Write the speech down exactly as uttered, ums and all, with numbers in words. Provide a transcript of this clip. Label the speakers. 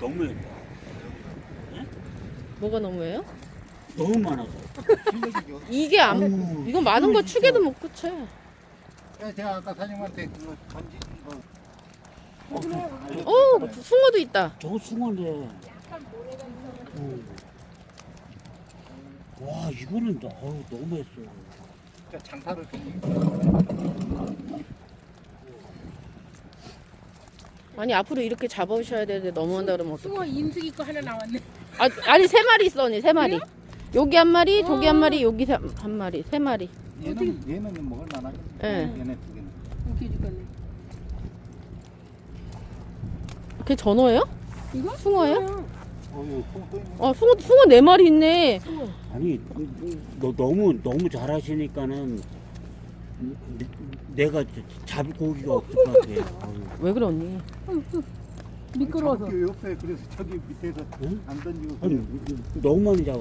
Speaker 1: 너무했다.
Speaker 2: 뭐가 너무해요?
Speaker 1: 너무 많아서.
Speaker 2: 이게 안,
Speaker 1: 아유,
Speaker 2: 이거 많은 거 축에도 못 붙여.
Speaker 3: 제가 아까 사장님한테 그거 던지 이거
Speaker 2: 어, 숭어도 있다.
Speaker 1: 저거 숭어인데. 음. 와, 이거는 너, 어우, 너무했어.
Speaker 3: 장사를
Speaker 2: 아니, 앞으로 이렇게 잡아오셔야 되는데 넘어온다 그러면 어떡해.
Speaker 4: 숭어 인숙이 거 하나 나왔네.
Speaker 2: 아, 아니, 세 마리 있어, 언니, 세 마리. 여기 한 마리, 저기 한
Speaker 4: 어.
Speaker 2: 마리, 여기 세- 한 마리, 세 마리.
Speaker 3: 얘는 얘는 먹을 만하겠네.
Speaker 2: 예.
Speaker 3: 얘네 두 개는.
Speaker 4: 웃겨 죽겠네.
Speaker 2: 그게 전어예요?
Speaker 4: 이거?
Speaker 2: 숭어예요?
Speaker 3: 어유 또 있네.
Speaker 2: 어, 숭어, 숭어 네 마리 있네.
Speaker 4: 숭어.
Speaker 1: 아니, 너 너무, 너무 잘하시니까는 내가 잡을 고기가 없을 것 같아. 아유.
Speaker 2: 왜 그래, 언니?
Speaker 4: 미끄러워서.
Speaker 3: 잡을 게 없어요. 그래서 저기 밑에서
Speaker 1: 응?
Speaker 3: 안 던지고
Speaker 1: 아니,
Speaker 3: 그냥
Speaker 1: 너무 많이 잡아.